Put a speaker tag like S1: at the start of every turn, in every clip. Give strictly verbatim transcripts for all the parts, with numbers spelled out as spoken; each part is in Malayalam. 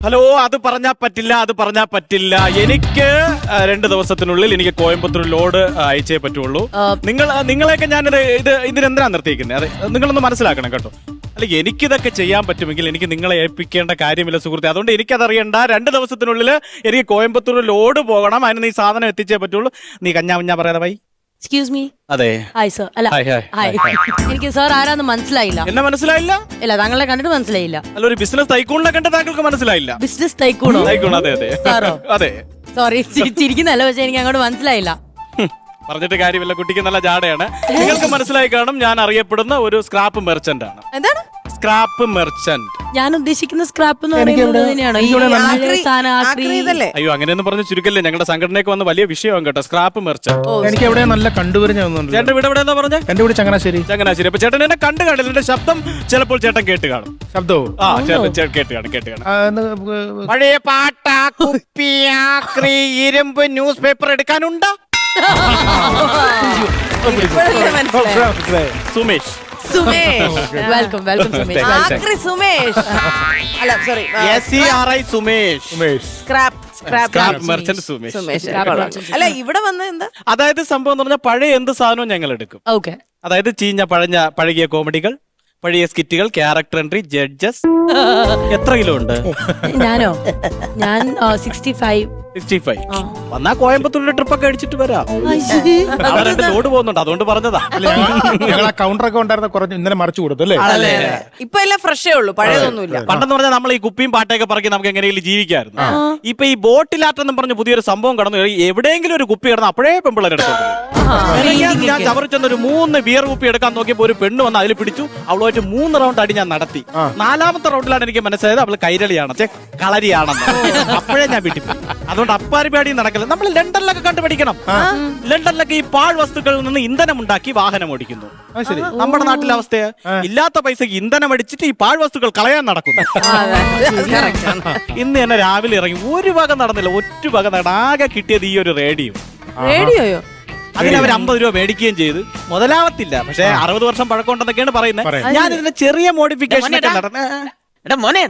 S1: ഹലോ, അത് പറഞ്ഞാ പറ്റില്ല, അത് പറഞ്ഞാ പറ്റില്ല. എനിക്ക് രണ്ട് ദിവസത്തിനുള്ളിൽ എനിക്ക് കോയമ്പത്തൂർ ലോഡ് അയച്ചേ പറ്റുള്ളൂ. നിങ്ങൾ നിങ്ങളെയൊക്കെ ഞാൻ ഇത് ഇതിനെന്തിനാ നിർത്തിയിരിക്കുന്നത്? അതെ, നിങ്ങളൊന്ന് മനസ്സിലാക്കണം കേട്ടോ. അല്ല, എനിക്കിതൊക്കെ ചെയ്യാൻ പറ്റുമെങ്കിൽ എനിക്ക് നിങ്ങളെ ഏൽപ്പിക്കേണ്ട കാര്യമില്ല സുഹൃത്തെ. അതുകൊണ്ട് എനിക്കതറിയണ്ട. രണ്ട് ദിവസത്തിനുള്ളിൽ എനിക്ക് കോയമ്പത്തൂർ ലോഡ് പോകണം. അതിന് നീ സാധനം എത്തിച്ചേ പറ്റുള്ളൂ. നീ കഞ്ഞാ കുഞ്ഞാ പറയാതെ ബൈ.
S2: Excuse me.
S1: അതെ,
S2: ഹായ് സർ. അല്ല, ഹായ്. എനിക്ക് സാർ ആരാന്ന് മനസ്സിലായില്ല.
S1: എന്നെ മനസ്സിലായില്ല?
S2: ഇല്ല, താങ്കളെ കണ്ടിട്ട് മനസ്സിലായില്ല.
S1: അല്ല, ഒരു ബിസിനസ് തൈക്കൂണിനെ കണ്ട് താങ്കൾക്ക് മനസ്സിലായില്ല?
S2: ബിസിനസ് തൈക്കൂണോ?
S1: തൈക്കൂൺ, അതെ അതെ
S2: സാറോ?
S1: അതെ.
S2: സോറി, ചിരിക്കുന്നല്ല, പക്ഷെ എനിക്ക് അങ്ങോട്ട് മനസ്സിലായില്ല.
S1: പറഞ്ഞിട്ട് കാര്യമില്ല, കുട്ടിക്ക് നല്ല ജാടയാണ്. നിങ്ങൾക്ക് മനസ്സിലായി കാണും, ഞാൻ അറിയപ്പെടുന്ന ഒരു സ്ക്രാപ്പ് മെർച്ചന്റ് ആണ്.
S2: എന്താണ്
S1: സ്ക്രാപ്പ് മെർച്ചന്റ്?
S2: ഞാൻ ഉദ്ദേശിക്കുന്ന സ്ക്രാപ്പ് എന്ന് പറയുന്നത് തന്നെയാണോ?
S1: അയ്യോ, അങ്ങനെയൊന്നും പറഞ്ഞ് ചുരുക്കല്ലേ. ഞങ്ങളുടെ സംഘടനയ്ക്ക് വന്ന് വലിയ വിഷയമാണ് കേട്ടോ, സ്ക്രാപ്പ് മെർച്ചന്റ്.
S3: എനിക്ക് എവിടെ നല്ല കണ്ടുവരുന്ന
S1: ചേട്ടൻ വീട് എവിടെ പറഞ്ഞ?
S3: എന്റെ വീട് ചങ്ങനാശ്ശേരി.
S1: ചങ്ങനാശ്ശേരി. അപ്പൊ ചേട്ടൻ എന്നെ കണ്ടു കാണില്ല, എന്റെ ശബ്ദം ചിലപ്പോൾ ചേട്ടൻ കേട്ട് കാണും.
S3: ശബ്ദവും
S1: ആ, ചേട്ടൻ കേട്ട് കാണും, കേട്ട് കാണും. പഴയ പാട്ട, കുപ്പി, ഇരുമ്പ്, ന്യൂസ് പേപ്പർ എടുക്കാനുണ്ടോ? സുമേഷ്.
S2: Sumesh, welcome welcome Sumesh.
S4: ആക്രി സുമേഷ്. അല്ല, sorry,
S1: S E R I Sumesh.
S4: Scrap
S1: scrap merchant Sumesh.
S4: Sumesh. അല്ല, ഇവിടെ വന്ന എന്താ?
S1: അതായത് സംഭവം എന്ന് പറഞ്ഞാൽ പഴയ എന്ത് സാധനവും ഞങ്ങൾ എടുക്കും.
S2: ഓക്കെ.
S1: അതായത് ചീഞ്ഞ പഴഞ്ഞ പഴകിയ കോമഡികൾ, പഴയ സ്കിറ്റുകൾ, ക്യാരക്ടർ എൻട്രി, ജഡ്ജസ്. എത്ര കിലോ ഉണ്ട്?
S2: ഞാനോ? ഞാൻ സിക്സ്റ്റി ഫൈവ്.
S1: Sixty five. വന്നാ കോയമ്പത്തൂരിലെ ട്രിപ്പൊക്കെ അടിച്ചിട്ട് വരാം. അവിടെ രണ്ട് ലോഡ് പോകുന്നുണ്ട്, അതുകൊണ്ട് പറഞ്ഞതാ.
S3: ഞങ്ങൾ ആ കൗണ്ടറൊക്കെ ഉണ്ടായിരുന്ന കുറച്ച് ഇന്നലെ മറിച്ചു കൊടുത്തു അല്ലേ?
S4: ഇപ്പൊ എല്ലാം ഫ്രഷേ ഉള്ളൂ, പഴയതൊന്നുമില്ല.
S1: പണ്ടെന്ന് പറഞ്ഞാൽ നമ്മൾ ഈ കുപ്പിയും പാട്ടയൊക്കെ പറക്കി നമുക്ക് എങ്ങനെയെങ്കിലും ജീവിക്കായിരുന്നു. ഇപ്പൊ ഈ ബോട്ടിലാട്ടെന്നും പറഞ്ഞ പുതിയൊരു സംഭവം കടന്നു. എവിടെയെങ്കിലും ഒരു കുപ്പി കിടന്ന് അപ്പോഴേ പെമ്പിള്ളേരെടുത്തു. ഞാൻ ചവറിച്ചെന്നൊരു മൂന്ന് ബിയർ കുപ്പി എടുക്കാൻ നോക്കിയപ്പോ ഒരു പെണ്ണ് വന്ന് അതിൽ പിടിച്ചു. അവളുമായിട്ട് മൂന്ന് റൗണ്ട് അടി ഞാൻ നടത്തി. നാലാമത്തെ റൗണ്ടിലാണ് എനിക്ക് മനസ്സിലായത് അവള് കൈരളിയാണ്, കളരിയാണെന്ന്. അപ്പോഴേ ഞാൻ വീട്ടിൽ പോയി. അതുകൊണ്ട് അപ്പാരിപാടിയും നടക്കില്ല. നമ്മൾ ലണ്ടനിലൊക്കെ കണ്ടുപിടിക്കണം. ലണ്ടനിലൊക്കെ ഈ പാഴ് വസ്തുക്കളിൽ നിന്ന് ഇന്ധനം ഉണ്ടാക്കി വാഹനം ഓടിക്കുന്നു. നമ്മുടെ നാട്ടിലെ അവസ്ഥയെ ഇല്ലാത്ത പൈസക്ക് ഇന്ധനം അടിച്ചിട്ട് ഈ പാഴ് വസ്തുക്കൾ കളയാൻ നടക്കുന്നു. ഇന്ന് തന്നെ രാവിലെ ഇറങ്ങി ഒരു വക നടന്നില്ല, ഒറ്റ വക നട. ആകെ കിട്ടിയത് ഈ ഒരു റേഡിയോ.
S4: റേഡിയോയോ?
S1: അതിന് അവർ അമ്പത് രൂപ മേടിക്കുകയും ചെയ്തു. മുതലാവത്തില്ല, പക്ഷെ അറുപത് വർഷം പഴക്കമുണ്ടെന്നൊക്കെയാണ് പറയുന്നത്. ഞാൻ ഇതിന്റെ ചെറിയ മോഡിഫിക്കേഷൻ ഒക്കെ നടന്നു.
S5: എടാ മോനെ,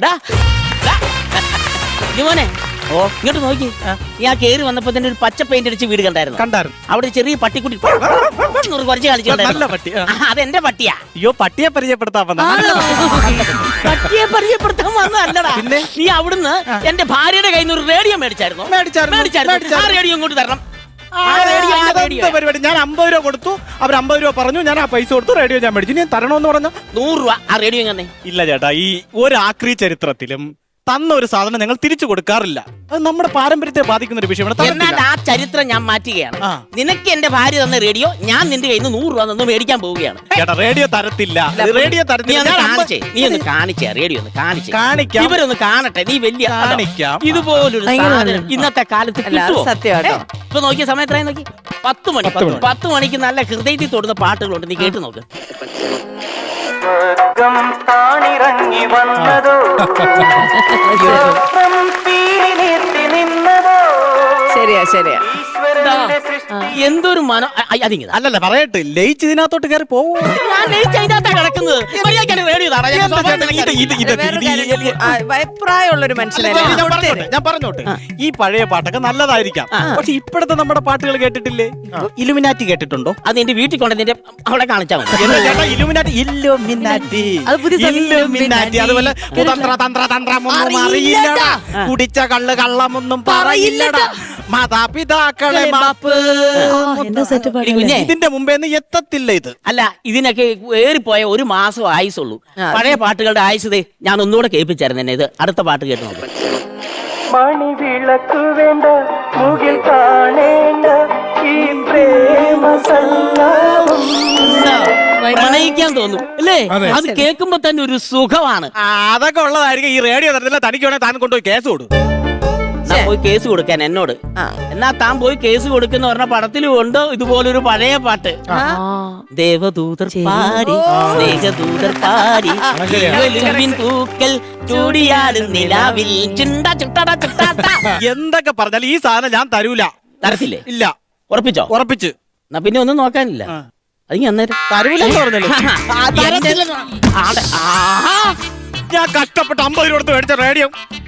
S5: മോനെ ഓ ഇങ്ങോട്ട് നോക്കി. ഞാൻ കേറി വന്നപ്പോ തന്നെ ഒരു പച്ച പെയിന്റ് അടിച്ച് വീട് കണ്ടായിരുന്നു.
S1: കണ്ടായിരുന്നു.
S5: അവിടെ ചെറിയ പട്ടിക്കുട്ടി കുറച്ച് കളിച്ചിട്ടുണ്ടായിരുന്നു.
S1: പട്ടി.
S5: അതെന്റെ പട്ടിയാ.
S1: അയ്യോ, പട്ടിയെ പരിചയപ്പെടുത്താൻ വന്ന.
S5: പട്ടിയെ പരിചയപ്പെടുത്താൻ വന്നതല്ലടാ. പിന്നെ നീ അവിടുന്ന് എന്റെ ഭാര്യയുടെ കയ്യിൽ നിന്ന് ഒരു റേഡിയോ മേടിച്ചായിരുന്നു. മേടിച്ചായിരുന്നു. ആ റേഡിയോ ഇങ്ങോട്ട് തരണം.
S1: പരിപാടി. ഞാൻ അമ്പത് രൂപ കൊടുത്തു, അവർ അമ്പത് രൂപ പറഞ്ഞു. ഞാൻ ആ പൈസ കൊടുത്തു, റേഡിയോ ഞാൻ മേടിച്ചു. ഞാൻ തരണമെന്ന് പറഞ്ഞു.
S5: നൂറ് രൂപ ആ റേഡിയോ തന്നെ.
S1: ഇല്ല ചേട്ടാ, ഈ ഒരു ആക്രി ചരിത്രത്തിലും തന്ന ഒരു സാധനം ഞങ്ങൾ തിരിച്ചു കൊടുക്കാറില്ല. അത് നമ്മുടെ പാരമ്പര്യത്തെ ബാധിക്കുന്ന ഒരു വിഷയമാണ്.
S5: എന്നാൽ ആ ചരിത്രം ഞാൻ മാറ്റുകയാണ്. നിനക്ക് എന്റെ ഭാര്യ തന്ന റേഡിയോ ഞാൻ നിന്റെ കയ്യിൽ നിന്ന് നൂറ് രൂപ നിന്ന് മേടിക്കാൻ പോവുകയാണ്.
S1: ചേട്ടാ, റേഡിയോ തരത്തില്ല. റേഡിയോ തരത്തില്ല.
S5: നീ ഒന്ന് കാണിച്ചേ, റേഡിയോ ഒന്ന് കാണിച്ചേ.
S1: കാണിക്കാം,
S5: ഇവരൊന്ന് കാണട്ടെ. നീ വലിയ
S1: കാണിക്കാം.
S5: ഇതുപോലൊരു സാധനം ഇന്നത്തെ കാലത്ത്
S4: സത്യമാട്ടോ.
S5: ഇപ്പൊ നോക്കിയ സമയത്തായി നോക്കി പത്ത് മണി. പത്ത് മണിക്ക് നല്ല ഹൃദയത്തിൽ തൊടുന്ന പാട്ടുകളുണ്ട്, നീ കേട്ടു നോക്ക്.
S6: താണിറങ്ങി വന്നതോ
S4: ശരിയാ ശരിയാ.
S5: എന്തൊരു മനം. അതിങ്ങ
S1: അല്ലല്ല, പറയട്ടെ, ലയിച്ച് ഇതിനകത്തോട്ട് കയറി പോവോ?
S5: ഞാൻ ലയിച്ച് അതിനകത്താ കിടക്കുന്നത്. റേഡിയോ
S4: പ്രായമുള്ളൊരു മനുഷ്യനല്ലേ.
S1: ഞാൻ പറഞ്ഞോട്ടെ, ഈ പഴയ പാട്ടൊക്കെ നല്ലതായിരിക്കാം, പക്ഷെ ഇപ്പോഴത്തെ നമ്മുടെ പാട്ടുകൾ കേട്ടിട്ടില്ലേ? ഇലുമിനാറ്റി കേട്ടിട്ടുണ്ടോ?
S5: അത് എന്റെ വീട്ടിൽ കൊണ്ട് നിന്റെ അവിടെ കാണിച്ചാൽ മതി.
S1: Illuminati illuminati illuminati. അതുപോലെ കുതന്ത്ര തന്ത്ര തന്ത്രമൊന്നും അറിയില്ലടാ, കുടിച്ച കള്ള് കള്ളമൊന്നും പറയില്ലടാ, മാതാപിതാക്കളെ മാപ്പ്. ഇതിന്റെ മുമ്പേ എത്തത്തില്ല ഇത്.
S5: അല്ല, ഇതിനൊക്കെ ഏറിപ്പോയ ഒരു മാസം ആയുസുള്ളൂ. പഴയ പാട്ടുകളുടെ ആയുസ് ഞാൻ ഒന്നുകൂടെ കേൾപ്പിച്ചായിരുന്നു എന്നെ. ഇത് അടുത്ത പാട്ട് കേട്ട് നോക്കാം.
S6: മണിവിളക്ക് വേണ്ട, മുകിൽ കാണേണ്ട, ഈ പ്രേമ സംഗമം.
S5: പ്രണയിക്കാൻ തോന്നും അല്ലേ? അത് കേൾക്കുമ്പോ തന്നെ ഒരു സുഖമാണ്.
S1: അതൊക്കെ ഉള്ളതായിരിക്കും. ഈ റേഡിയോ തരത്തില്ല. തനിക്ക് വേണേ താൻ കൊണ്ടുപോയി കേസ് കൊടുക്കും.
S5: പോയി കേസ് കൊടുക്കാൻ എന്നോട്. എന്നാ താൻ പോയി കേസ് കൊടുക്കുന്ന പറഞ്ഞ പടത്തിലും ഉണ്ട് ഇതുപോലൊരു പഴയ പാട്ട്. ദേവദൂതർ പാടി, സ്നേഹദൂതർ പാടി, പൂക്കൽ ചൂടിയാടും നിലാവിൽ ചുണ്ട ചുട്ടട ചുട്ടാട്ട.
S1: എന്തൊക്കെ പറഞ്ഞാലും ഈ സാധനം ഞാൻ തരൂല.
S5: തരത്തില്ലേ?
S1: ഇല്ല.
S5: ഉറപ്പിച്ചോ?
S1: ഉറപ്പിച്ച്.
S5: എന്നാ പിന്നെ ഒന്നും നോക്കാനില്ല. അത് അന്നേരം
S1: തരൂലെന്ന് പറഞ്ഞല്ലോ. ഞാൻ കഷ്ടപ്പെട്ട് അമ്പത് രൂപ കൊടുത്ത് മേടിച്ച റേഡിയോ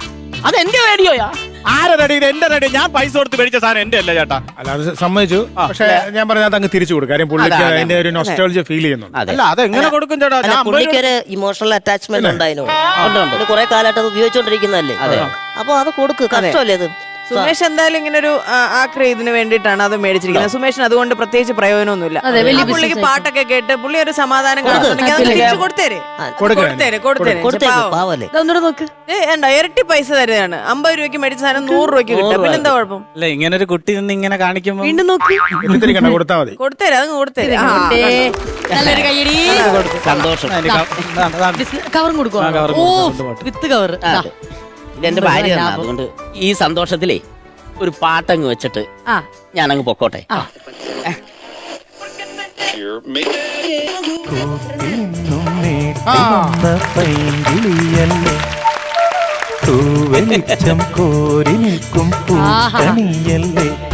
S5: അത് എന്റെ റേഡിയോയാ.
S1: ആരെ റെഡി? എന്റെ റെഡി. ഞാൻ പൈസ കൊടുത്ത് മേടിച്ച സാധനം എന്റെ അല്ല ചേട്ടാ.
S3: അല്ല അത് സമ്മതിച്ചു. പക്ഷെ ഞാൻ പറഞ്ഞത് അങ്ങ് തിരിച്ചു കൊടുക്കും. കാര്യം പുള്ളിക്ക്
S5: അതെ, അതെ,
S3: അതിന്റെ ഒരു നൊസ്റ്റാൾജിയ ഫീൽ ചെയ്യുന്നുണ്ട്.
S5: അതെ.
S1: അല്ല അത് എങ്ങനെ കൊടുക്കും ചേട്ടാ?
S7: അല്ല,
S1: ഞാൻ അമ്പത്
S7: പുള്ളിക്ക്
S1: രൂപ-
S7: ഒരു ഇമോഷണൽ അറ്റാച്ച്മെന്റ് ഉണ്ടായിരുന്നു.
S5: ഉണ്ട്, ഉണ്ട്.
S7: പുള്ളി കുറെ കാലമായിട്ട് അത് ഉപയോഗിച്ചോണ്ടിരിക്കുന്നതല്ലേ.
S5: അതെ.
S7: അപ്പൊ അത് കൊടുക്ക്, കഷ്ടമല്ലേ അത്.
S4: സുമേഷ് എന്തായാലും ഇങ്ങനെ ഒരു ആക്രി ഇതിന് വേണ്ടിയിട്ടാണ് അത് മേടിച്ചിരിക്കുന്നത്. സുമേഷിന് അതുകൊണ്ട് പ്രത്യേകിച്ച് പ്രയോജനമൊന്നുമില്ല.
S2: അതെ, വലിയ
S4: ആ പുള്ളിക്ക്
S2: business
S4: പാട്ടൊക്കെ കേട്ട് പുള്ളി ഒരു സമാധാനം കാണുന്നുണ്ടെങ്കിൽ അത് തിരിച്ചു കൊടുത്തേരെ
S3: കൊടുക്കാം.
S4: കൊടുത്തേരെ കൊടുത്തേരെ
S7: കൊടുത്തേക്ക്,
S4: പാവം.
S7: പാവല്ലേ.
S2: ഇതൊന്നുകൂടെ നോക്ക്.
S4: ഏ, എന്താ ഇരട്ടി പൈസ തരുന്നതാണ്. അമ്പത് രൂപയ്ക്ക് മേടിച്ച സാധനം നൂറ് രൂപയ്ക്ക് കിട്ടും. പിന്നെന്താ കുഴപ്പം?
S1: അല്ല ഇങ്ങനെ ഒരു കുട്ടി നിന്ന് ഇങ്ങനെ കാണിക്കുമ്പോ
S2: വീണ്ടും നോക്ക്.
S3: എത്തിരിക്കണ്ട, കൊടുത്താൽ മതി.
S4: കൊടുത്തേരെ അതങ്ങ് കൊടുത്തേരെ. ആ,
S2: ഏ, നല്ലൊരു കയ്യടി.
S5: സന്തോഷം.
S2: കവറും കൊടുക്കുക.
S1: ആ, കവറും
S2: ഓ
S1: കൊടുക്കും, രണ്ട്
S2: വിത്ത് കവർ.
S5: ആ, അതെ. ഇതെന്റെ ഭാര്യ തന്നാ. അതുകൊണ്ട് ഈ സന്തോഷത്തിലേ ഒരു പാട്ടങ്ങ് വെച്ചിട്ട്
S2: ആ
S5: ഞാനങ്ങ് പൊക്കോട്ടെ.
S6: പൈങ്കിളിയല്ലേ തൂവെളിച്ചം കോരി നിൽക്കും പൂക്കണിയല്ലേ